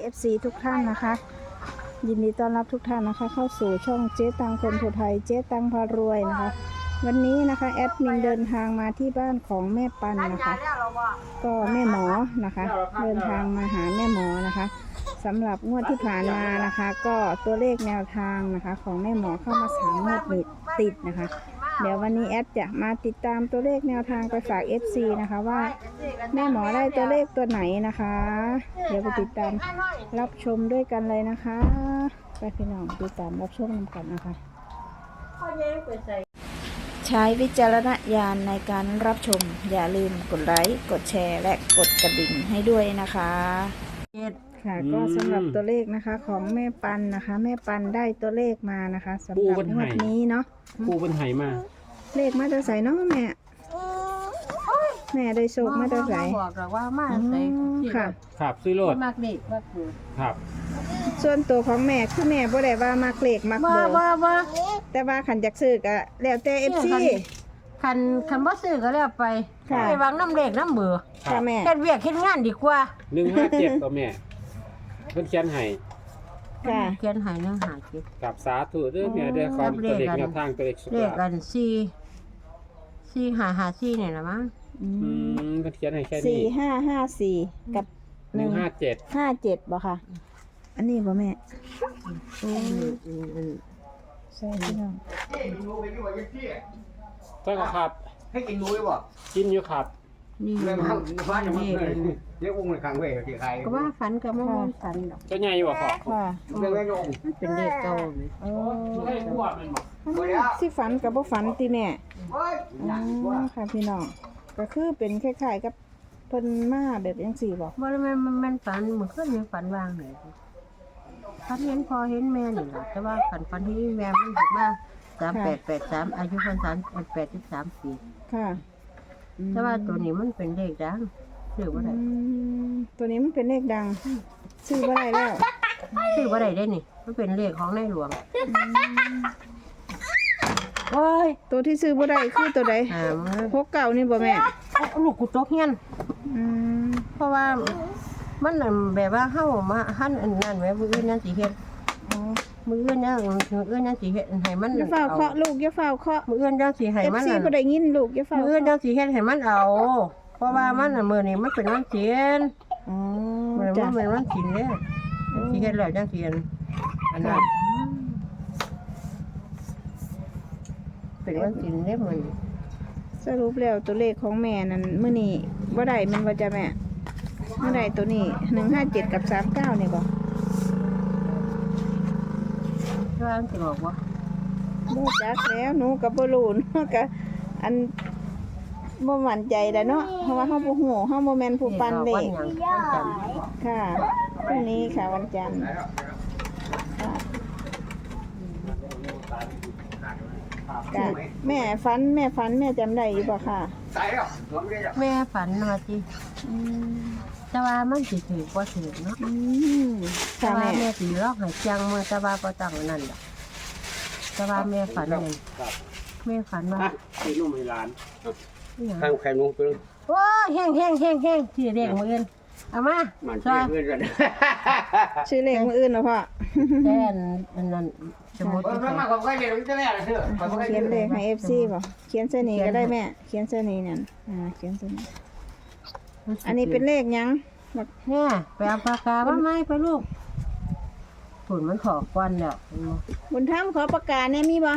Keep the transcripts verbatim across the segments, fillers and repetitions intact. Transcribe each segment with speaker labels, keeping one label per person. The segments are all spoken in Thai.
Speaker 1: เอฟ ซี ทุกท่านนะคะยินดีต้อนรับทุกท่านนะคะเข้าสู่ช่องเจ๊ตังคนผู้ไทยเจ๊ตังพารวยนะคะวันนี้นะคะแอดมินเดินทางมาที่บ้านของแม่ปันนะคะก็แม่หมอนะคะเดินทางมาหาแม่หมอนะคะสำหรับงวดที่ผ่านมานะคะ ก็ตัวเลขแนวทางนะคะของแม่หมอเข้ามาสามงวดติดนะคะเดี๋ยววันนี้แอดจะมาติดตามตัวเลขแนวทางไปฝาก เอฟ ซี นะคะว่าแม่หมอได้ตัวเลขตัวไหนนะคะเดี๋ยวไปติดตามรับชมด้วยกันเลยนะคะไปพี่น้องติดตามรับชมกันนะคะใช้วิจารณญาณในการรับชมอย่าลืมกดไลค์กดแชร์และกดกระดิ่งให้ด้วยนะคะค่ะก็สำหรับตัวเลขนะคะของแม่ปันนะคะ แม่ปันได้ตัวเลขมานะคะสำหรับงวดนี้เนาะ
Speaker 2: ปูเป็นไหมา
Speaker 1: เลขมาจะใส่เนาะแม่แม่ได้โชคมาจะใส่
Speaker 3: บอกหรอกว่ามาใส่
Speaker 1: ค่ะ
Speaker 2: ครับซื้อรถ
Speaker 3: มากเด็กมากเกิด
Speaker 2: ครับ
Speaker 1: ส่วนตัวของแม่คือแม่บ่ได้ว่ามักเลขมักเบอร์
Speaker 3: ว่าว่า
Speaker 1: แต่ว่าขันจักซื้อก็แล้วแต่ เอฟ ซี
Speaker 3: คันคันบ่ซื้อก็แล้วไปไปวางน้ำเลขน้ำเบอร์
Speaker 1: ค่ะแม่
Speaker 3: เฮ็ดเวียกเฮ็ดงานดีกว่า
Speaker 2: หนึ่งห้าเจ็ดตัวแม่เพิ่นเขียนให้
Speaker 1: ค่ะ
Speaker 3: เขียนให้หนึ่งห้าเจ็ด
Speaker 2: กับสาธุเด้อแม่เด้อความตัวเลขแนวทางตัวเลขสุด
Speaker 3: เลขกันสี่สี่ห้าห้าสี่นี่ล่ะมั้ง
Speaker 2: อืมเพิ่นเขียนให้แค่นี้
Speaker 1: สี่ห้าห้าสี่กับ
Speaker 2: หนึ่งห้าเจ็ด
Speaker 1: ห้าเจ็ดบ่ค่ะอันนี้บ่แม่
Speaker 3: อืม
Speaker 1: ใช่พี่น้อง
Speaker 2: ใช่ครับ
Speaker 4: ให้กินรู้ไหมบ่
Speaker 2: กินอยู่ครับ
Speaker 3: นี่
Speaker 4: แม่มาบ้านยังไม่เคยเรียกอุ้งในครั้งเว้ยที่ใคร
Speaker 3: ก็ว่าฝันก็บ่ว่าฝันดอก
Speaker 2: ก็ใหญ่อยู่บ่พ่อ
Speaker 1: ค่ะ
Speaker 4: เรียกแม่ยง
Speaker 3: มันเป็นเลขเก่า
Speaker 1: โอ้
Speaker 2: เลขบวกแม่นบ่
Speaker 1: สิฝันกับบ่ฝันติแม่อ๋อค่ะพี่น้องก็คือเป็นคล้ายๆกับเพิ่นมาแบบจังซี่บ่
Speaker 3: บ่แม่นมันฝันเหมือนคืนยังฝันวางเลยฝันเห็นพอเห็นแม่นี่ล่ะแต่ว่าฝันฝันที่แม่มันถูกมาสามแปดแปดสามอายุเพิ่นสามแปดสิบสามปี
Speaker 1: ค่ะ
Speaker 3: แต่ว่าตัวนี้มันเป็นเลขดังซื้อบ่ได้
Speaker 1: ตัวนี้มันเป็นเลขดังซื้อบ่ได้แล้ว
Speaker 3: ซื้อบ่ได้ได้นี่มันเป็นเลขของในหลวงโอ้ย
Speaker 1: ตัวที่ซื้อบ่ได้คือตัวใดหกเก้านี่บ่แม่
Speaker 3: ลูกกูตกเฮียน
Speaker 1: อืม
Speaker 3: เพราะว่ามันแบบว่าเฮามาหั่นอันนั้นไว้มื้ออื่นนั่นสิเฮ็ด
Speaker 1: อ๋อ
Speaker 3: มื้ออื่นเนี่ยมื้ออื่นนั่นสิเฮ็ดให้มัน
Speaker 1: อย่าเฝ้าเคาะลูกอย่าเฝ้าเคาะ
Speaker 3: มื้ออื่นจังสิให้มัน
Speaker 1: เอฟ ซี บ่ได้ยินลูกอย่าเฝ้า
Speaker 3: มื้ออื่นจังสิเฮ็ดให้มันเอาเพราะว่ามันน่ะมื้อนี้มันเป็นวันศีล
Speaker 1: อ๋อ
Speaker 3: มันมันเป็นวันศีลเด้สิเฮ็ดแล้วจังสิอันนั้นเป็นวันศีลเด้มื้อนี้
Speaker 1: สรุปแล้วตัวเลขของแม่นั่นมื้อนี้บ่ได้มันว่าจะแม่เมื่อใดตัวนี้หนึ่งห้าเจ็ดกับสามเก้านี่บ่
Speaker 3: ว่าสิบอกว่า
Speaker 1: บ่จักแล้วหนูก็บ่รู้เนาะก็อันบ่มั่นใจแล้วเนาะเพราะว่าเฮาบ่ฮู้เฮาบ่แม่นผู้ปันเลขค่ะพรุ่งนี้ค่ะวันจันทร์ค่ะแม่ฝันแม่ฝันแม่จำได้อยู่บ่ค่ะ
Speaker 3: แม่ฝันว่าสิแต่ว่ามันสิถือบ่ถือเนาะแต่ว่าแม่สิร้องให้จังมื้อแต่ว่าบ่ต้องนั่นดอกแต่ว่าแม่ฝันนี่แม่ฝันว่า
Speaker 2: ให้นุ่มให้หลาน
Speaker 4: ข้างแขนนุ่งเพิ่น
Speaker 3: โอ้แห้งๆๆๆสิเรียกมื้ออื่นเอามา
Speaker 4: มันชื่อเพิ่นกัน
Speaker 1: ชื่อเลขมื้ออื่นเนาะพ่อ
Speaker 3: แค่นั้นสมมุติ
Speaker 4: ว่ามาของใครเรียนรู้จักแม่ล่ะเด้อ
Speaker 1: เขียนเลขให้ เอฟ ซี บ่เขียนเส้นนี้ก็ได้แม่เขียนเส้นนี้นั่นอ่าเขียนเส้นนี้อันนี้เป็นเลขหยัง
Speaker 3: บักแม่ไปเอาปากกามาไหมไปลูกฝุ่นมันขอควันแล้ว
Speaker 1: บุญธรรมขอปากกาแน่มีบ่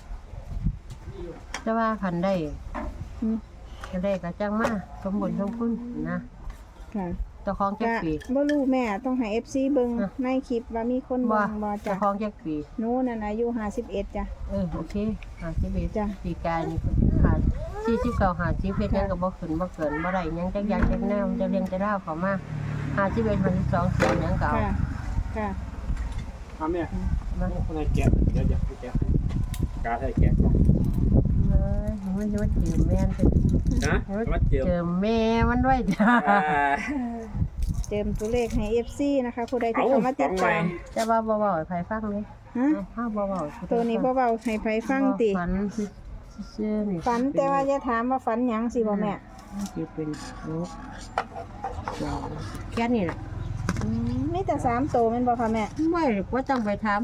Speaker 3: จะว่าคันได้จะได้กระจังมาสมบูรณ์สมคุณนะ
Speaker 1: ค่ะ
Speaker 3: เจ้าของแจ็คปี
Speaker 1: บ่รู้แม่ต้องให้ เอฟ ซี เบิ่งในคลิปว่ามีคนเบิ่งบ่จ้ะ
Speaker 3: เจ้าของแจ็คปี
Speaker 1: หนูนั่นอายุห้าสิบเอ็ดจ้ะ
Speaker 3: เออโอเคห้าสิบเอ็ดจ้ะปีกายนี่ค่ะสี่สิบเก้าห้าสิบเอ็ดยังก็บ่ขึ้นบ่เกินบ่ได้ยังจักอย่างจักแนวจะเรียงจะเล่าเข้ามาห้าสิบเอ็ดห้าสิบสองสิบยังเก่า
Speaker 1: ค่ะค่ะ
Speaker 2: เอาแม่มาคนไหนแกะเดี๋ยวๆแกะกาให้แกะก่อน
Speaker 3: เอ้ยมันจะมาเจอแม่น
Speaker 2: นะมาเจอ
Speaker 3: เจอแม่มันด้วยจ้ะ
Speaker 1: เติมตัวเลขให้ เอฟ ซี นะคะผู้ใดที่เข้ามาติดตาม
Speaker 3: จะว่าบ่เว้าให้ไผฟังเลย
Speaker 1: ฮะ
Speaker 3: ถ้าบ่เว้า
Speaker 1: ตัวนี้บ่เว้าให้ไผฟังติ
Speaker 3: ฝันซื่อๆนี่
Speaker 1: ฝันแต่ว่าอย่าถามว่าฝันหยังสิบ่แม่
Speaker 3: สิเป็นนกแค่นี้แหละ
Speaker 1: อืมมีแต่สามตัวแม่นบ่ค่ะแม่
Speaker 3: ไม่ว่าต้องไปทำ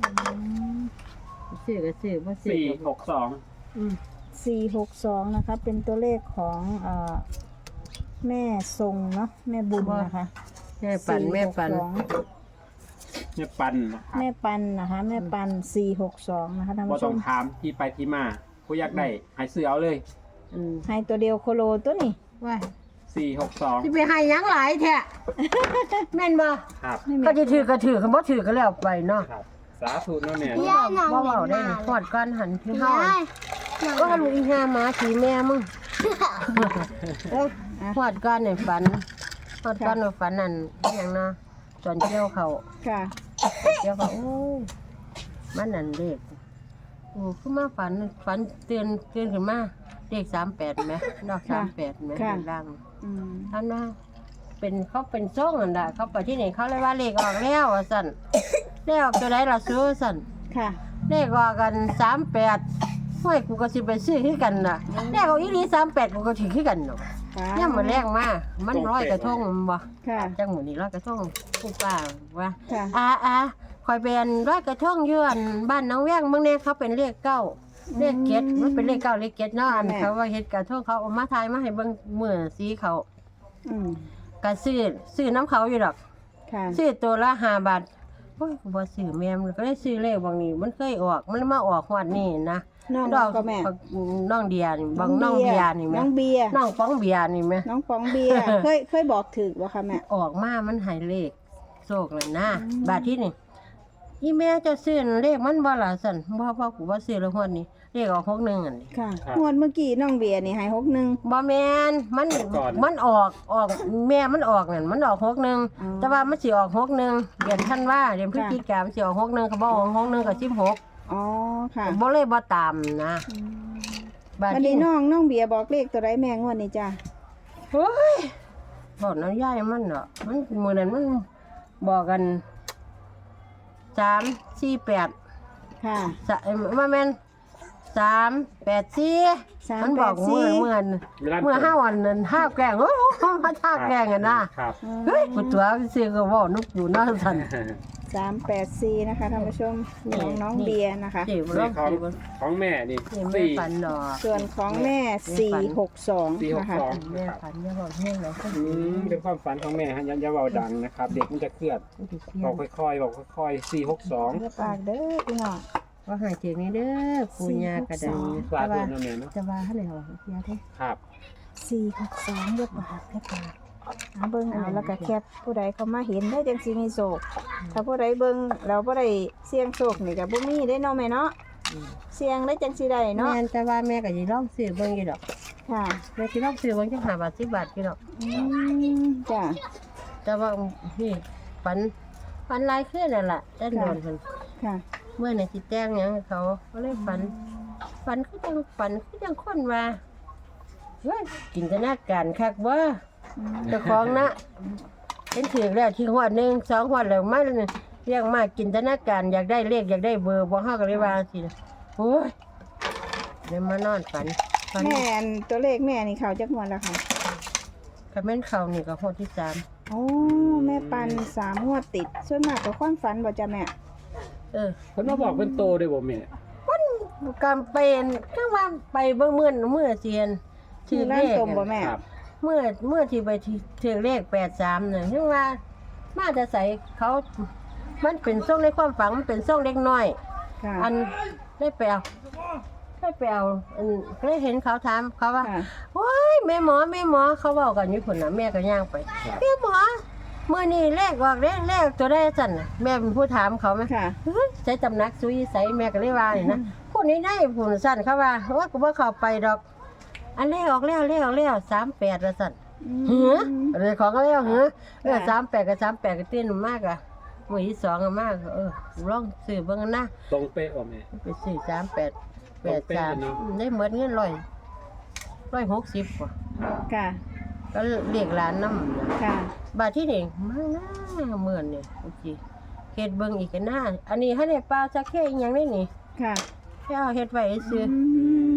Speaker 3: ซื้อก็ซื้อบ่ซื้อ
Speaker 2: สี่
Speaker 3: ก็
Speaker 2: หกสอง
Speaker 3: อืม
Speaker 1: สี่หกสองนะคะ เป็นตัวเลขของเอ่อแม่ทรงเนาะแม่บุญนะคะ
Speaker 3: แม่ปันแม่ปัน
Speaker 1: สี่หกสอง
Speaker 2: เนี่ยปันนะครับ
Speaker 1: แม่ปันนะคะ แม่ปันสี่หกสองนะคะท่าน
Speaker 2: บ่
Speaker 1: ผู้ช
Speaker 2: ต้อง
Speaker 1: ม
Speaker 2: ถามที่ไปที่มาผู้อยากได้ให้ซื้อเอาเลย
Speaker 3: อืม
Speaker 1: ให้ตัวเดียวโคโลตัวนี้
Speaker 3: ว่า
Speaker 2: สี่หกสอง
Speaker 3: สิไปให้หยังหลายแท้แม่นบ่
Speaker 2: ครับ
Speaker 1: ไม่มี
Speaker 3: ก็สิถือก็ถือคันบ่ถือก็แล้วไปเนาะ
Speaker 2: ครับสาธุเนาะแม่
Speaker 3: บ่
Speaker 2: เนาะ
Speaker 3: เว้าเว้าได้นี่พอดก่อนหันที่เฮาก็ลูกอีห่าหมาถีแม่มึงเอ้ยพอดก่อนนี่ฝันพอดก่อนว่าฝันนั่นอหยังเนาะตอนเที่ยวเขา
Speaker 1: ค่ะ
Speaker 3: เดี๋ยวก็โอ้ยมันนั่นเด็กโอ้คือมาฝันฝันเตือนเตือนขึ้นมาเด็กสามแปดไหมดอกสามแปดไหม
Speaker 1: ค่ะ
Speaker 3: ดัง
Speaker 1: อืม
Speaker 3: ท่านว่าเป็นเขาเป็นซ่องอันดะเขาไปที่ไหนเขาเลยว่าเลขออกแล้วอ่ะสั่นเลขออกตัวไหนล่ะซื้อสั่น
Speaker 1: ค่ะ
Speaker 3: เลขออกกันสามแปดห้วยกูก็สิไปซื้อขึ้นกันน่ะเลขออกอีนี้สามแปดกูก็ถือขึ้นกันเนาะ
Speaker 1: ค่ะ
Speaker 3: ย่ำมาแรงมามันร้อยกระทงมันบ่
Speaker 1: ค่ะ
Speaker 3: จังหมือนี้ร้อยกระทงผู้ป้าว่า
Speaker 1: ค่ะ
Speaker 3: อาอาคอยเป็นร้อยกระทงอยวนบ้านน้องแว้งเมื่อเนี่ยเขาเป็นเลขเก้าเลขเจ็ดมันเป็นเลขเก้าเลขเจ็ดเนาะอันเขาว่าเฮ็ดกระทงเขาเอามาทายมาให้เบิ่งมือสีเขา
Speaker 1: อืม
Speaker 3: ก็ซื้อซื้อน้ำเขาอยู่ดอก
Speaker 1: ค่ะ
Speaker 3: ซื้อตัวละห้าบาทโอ้ยกูบ่ซื้อแม่มันก็ได้ซื้อเลขบางนี้มันเคยออกมันมาออกงวดนี้นะ
Speaker 1: น้อง
Speaker 3: ดอก
Speaker 1: ก็แม่
Speaker 3: น้องเดียนี่บางน้องเบียร์นี่แม่
Speaker 1: น้องเบียร์
Speaker 3: น้องป้องเบียร์นี่แม่
Speaker 1: น้องฟองเบียร์ เคยเคยบอกถึกบ่คะแม่
Speaker 3: ออกมามันให้เลขโชคเลยนะ
Speaker 1: อืม
Speaker 3: บาทที่นี่อีแม่จะซื้อเลขมันบ่ล่ะสั่นบ่พ่อกูบ่ซื้อแล้วฮอดนี้เลขออกหกหนึ่งอันนี้
Speaker 1: ค่ะงวดเมื่อกี้น้องเบียร์นี่ให้หกหนึ่ง
Speaker 3: บ่แม่นมันมันออกออกแม่มันออกนั่นมันออกหกหนึ่ง
Speaker 1: อ๋อ
Speaker 3: แต่ว่ามันสิออกหกหนึ่งเดือนธันวาเดือนพฤศจิกายนมันสิออกหกหนึ่งก็บ่ออกหกหนึ่งก็สิบหก
Speaker 1: อ๋อค่ะ
Speaker 3: บ่เลยบ่ตามนะ
Speaker 1: อืม
Speaker 3: บาด
Speaker 1: วัน
Speaker 3: ที่
Speaker 1: นี้น้องน้องเบียร์บอกเลขตัวไรแม่งวดนี้จ้ะ
Speaker 3: เฮ้ยบอกน้ำยายมันเนาะมันมื้อนั้นมันบอกกันสามสี่แปด
Speaker 1: ค่ะ
Speaker 3: สะเอ้ยมาแม่นสามแปดสี่
Speaker 1: สาม
Speaker 3: มันบอก
Speaker 1: แปดสี่
Speaker 3: เมื่อเมื่อเมื่อห้าวันนั้นห้าแกงโอ้โหมาท่าแกงกันนะครับ เฮ้ยกูตัวซื้อก็เว่านุกอยู่เน่าสั่น
Speaker 1: สามแปดสี่นะคะท่านผู้ชม
Speaker 3: นี่
Speaker 1: ของน้อง
Speaker 3: นี่
Speaker 1: เบียร์นะคะ
Speaker 3: เจ็บ
Speaker 2: นี่
Speaker 3: ร้อง
Speaker 2: ของ
Speaker 3: เจ็บ
Speaker 2: ของแม่นี่
Speaker 3: นี่แม่
Speaker 2: สี่
Speaker 3: ฝันดอก
Speaker 1: ส่วนของแม่สี่หกสอง
Speaker 2: สี่หก
Speaker 1: นะคะ
Speaker 2: สอง
Speaker 3: แม่ฝันอย่าบอกเรื่องแล้วก็
Speaker 2: อืมเป็นความฝันของแม่ฮะอย่าอย่าเบาดังนะครับ เด็กมันจะเครียดบอกค่อยๆบอกค่อยๆสี่หกสอง
Speaker 1: เด้อปากเด้อพี่น้อง
Speaker 3: ว่าหายเจ็บนี่เด้อปูญากระดัง
Speaker 2: สา
Speaker 3: แต่
Speaker 2: ธุ
Speaker 3: ว่า
Speaker 2: เนาะแม่เนาะ
Speaker 3: จะว่าให้ไหนวะยาเท่
Speaker 2: ครับ
Speaker 1: สี่หกสองเด้อปากเด้อปากเอาเบิ่งเอาแล้วก็แคปผู้ใดเขามาเห็นได้จังสิมีโศกถ้าผู้ใดเบิ่งแล้วบ่ได้เสี่ยงโศกนี่ก็บ่มีได้เนาะแม่เนาะเสี่ยงได้จังสิได้เนาะ
Speaker 3: แม่นแต่ว่าแม่ก็สิลองซื้อเบิ่งอยู่ดอก
Speaker 1: ค่ะ
Speaker 3: แม่สิลองซื้อเบิ่งจังห้าบาทสิบบาทอยู่ดอก
Speaker 1: อืมจ้ะ
Speaker 3: แต่ว่านี่ฝันฝันหลายคืนนั่นล่ะแต่โดนเพิ่น
Speaker 1: ค่ะ
Speaker 3: เมื่อไหร่สิแต่งหยังให้เขาก็เลยฝัน ฝันคือจังฝันคือจังคนว่าเฮ้ยจินตนาการคักว่า
Speaker 1: อืม
Speaker 3: เจ้าของนะเป็นถือแล้วที่หัวหนึ่งสองหัวแล้วมาเรียกมาจินตนาการอยากได้เลขอยากได้เบอร์บ่เฮาก็เลยว่าสิโอ้ยเลยมานอนฝันฝัน
Speaker 1: แม่อันตัวเลขแม่นี่เขาจักงวดแล้วค่ะ
Speaker 3: ก็แม่นเขานี่ก็หัวที่สาม
Speaker 1: โอ้แม่ปันสามงวดติด ส่วนมากก็ความฝันบ่จ้ะแม่
Speaker 3: เออ
Speaker 2: เพิ่นมาบอกเป็นโตด้วยบ่แม่
Speaker 3: กำเป็นจังว่าไปเบิ่งมื้อมื้อเซียนถือเล
Speaker 1: ร้าน
Speaker 3: ข
Speaker 1: ตมบ่แม่
Speaker 2: ครับ
Speaker 3: เมื่อเมื่อที่ไปถือเลขแปดสามเนี่ยถึงว่ามาจะใส่เขา มันเป็นส่งในความฝันมันเป็นส่งเล็กน้อย
Speaker 1: ค่ะ
Speaker 3: อันได้ไปเอาได้ไปเอาอันก็ได้เห็นเขาถามเขาว่า
Speaker 1: ค่ะ
Speaker 3: โอ้ยแม่หมอแม่หมอเขาบอกกันอยู่ผลนะแม่ก็ย่างไปแม่หมอเมื่อนี้เลขออกเลขเลขตัวได้สั่นน่ะแม่เป็นผู้ถามเขาไหม
Speaker 1: ค่ะ
Speaker 3: เฮ้ยใช้ตำหนักซุยใส่แม่ก็เลยว่านี่นะพวกนี้ได้ผลสั่นเขาว่าว่ากูว่าเขาไปดอก อันเลขออกแล้วเลขออกแล้วสามแปดละสั่น เหืออะไรของก็แล้วเหือเออสามแปดกับสามแปดก็เต้นมากอะมือที่สองก็มากเออลองซื้อเบิ่งกันนะ
Speaker 2: ตรงเป๊ะบ่แม่
Speaker 3: ไปซื้อสามแปดแปด
Speaker 2: ตรงเป๊ะ
Speaker 3: สาม
Speaker 2: เลยเนอะ
Speaker 3: ได้เหมือนเงินร้อยร้อยหกสิบกว่า
Speaker 1: ค่ะ
Speaker 3: ก็เรียกร้านน้ำนะ
Speaker 1: ค่ะ
Speaker 3: บาทที่หนึ่งมาหน้าเหมือนเนี่ยโอเคเฮ็ดเบิ่งอีกกันหน้าอันนี้ให้ได้ปลาสักแค่อีกอย่างนี้นี่
Speaker 1: ค่ะ
Speaker 3: แค่เอาเฮ็ดไว้ซื้อ
Speaker 1: อืม
Speaker 2: อืม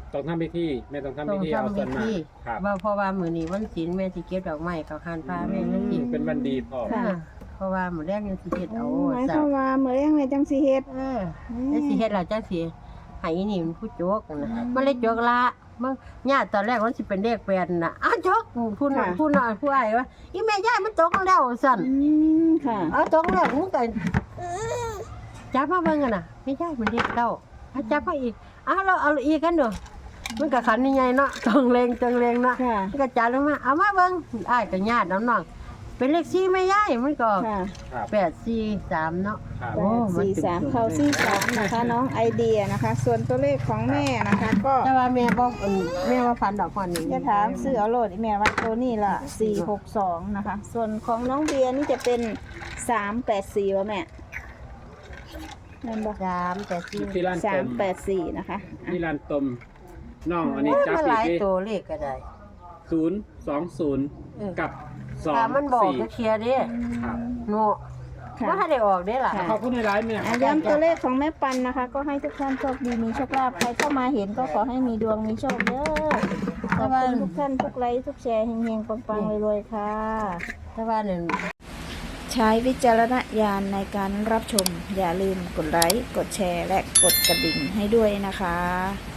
Speaker 2: ต้องทำพิธีแม่ต้องทำ
Speaker 3: ต้
Speaker 2: พิ
Speaker 3: อง
Speaker 2: ธีเอา
Speaker 3: ทำ
Speaker 2: ส่
Speaker 3: พิ
Speaker 2: วนมา
Speaker 3: ธี
Speaker 2: ครับ
Speaker 3: ว่าเพราะว่ามื้อนี้วันศีลแม่สิเก็บดอกไม้กับหานฟ้าแม่จังซี่
Speaker 2: เป็นวันดีพ่อ
Speaker 1: ค่ะ
Speaker 3: เพราะว่ามื้อแรกยังสิเฮ็ดเอา
Speaker 1: หมายค
Speaker 3: ซะ
Speaker 1: วามว่าเมื่อยังไงจังสิเฮ็ด
Speaker 3: เออแล้วสิเฮ็ดแล้วจังสิให้อีนี่มันผู้โจกนะมันเลยโจกละมันญาติตอนแรกมันสิเป็นเลขแปดน่ะอ้าวโจกผู้น้อยผู้น้อยผู้อ้ายว่าอีแม่ยายมันตกแล้วสั่น
Speaker 1: อืมค่ะ
Speaker 3: เอาตกแล้วมึงก็จับมาเบิ่งกันน่ะไม่ใช่มันเลขเก้าเอาจับมาอีกอ้าวเราเอาอีกกันเด้อมันก็ขันใหญ่ๆเนาะจังเลงจังเลงเนาะ
Speaker 1: ค่ะ
Speaker 3: มันก็จับลงมาเอามาเบิ่งอ้ายก็ญาติน้องๆเป็นเลขสี่แม่ยายมันก็
Speaker 1: ค่ะ
Speaker 2: ครับ
Speaker 3: แปดสี่สามเนาะ
Speaker 2: ครับ
Speaker 1: แปดสี่สามเข้าสี่สามนะคะ น้องไอเดียนะคะ ส่วนตัวเลขของแม่นะคะ ก็
Speaker 3: แต่ว่าแม่บอกเอิ่นแม่ว่าฟันดอกก่อนนี่
Speaker 1: จะถามซื้อเอาโหลดอีแม่ว่าตัวนี้ละสี่หกสองนะคะ ส่วนของน้องเบียร์นี่จะเป็นสามแปดสี่วะแม่นั่นบอก
Speaker 3: สามแปดสี่
Speaker 2: ที่ร้าน
Speaker 1: สา
Speaker 2: ต
Speaker 1: ม
Speaker 2: ม
Speaker 1: แปดสี่นะคะอ่ะ
Speaker 2: ที่ร้านตมน้องอันนี้จับ
Speaker 3: มันห
Speaker 2: อีก
Speaker 3: ลาย
Speaker 2: ที่
Speaker 3: ตัวเลขก็ได้
Speaker 2: ศูนย์สองศูนย์
Speaker 3: เออ
Speaker 2: กับสอง
Speaker 3: ถ้ามันบอก
Speaker 2: สี่
Speaker 3: จะเคลียร์เด้
Speaker 2: ครับ
Speaker 3: โง่
Speaker 1: ค่ะ
Speaker 3: ว่าถ้าได้ออกได้ล่ะ
Speaker 1: ค่ะ
Speaker 2: ขอบคุณในไลฟ์เนี่ย
Speaker 1: อ่ะย้ำตัวเลขของแม่ปันนะคะ ก็ให้ทุกท่านโชคดีมีโชคลาภใครเข้ามาเห็นก็ขอให้มีดวงมีโชคเด้อขอบคุณทุกท่านทุกไลค์ทุกแชร์เฮงๆปังๆรวยๆค่ะ
Speaker 3: แต่ว่าเนี่ย
Speaker 1: ใช้วิจารณญาณในการรับชม อย่าลืมกดไลค์ กดแชร์ และกดกระดิ่งให้ด้วยนะคะ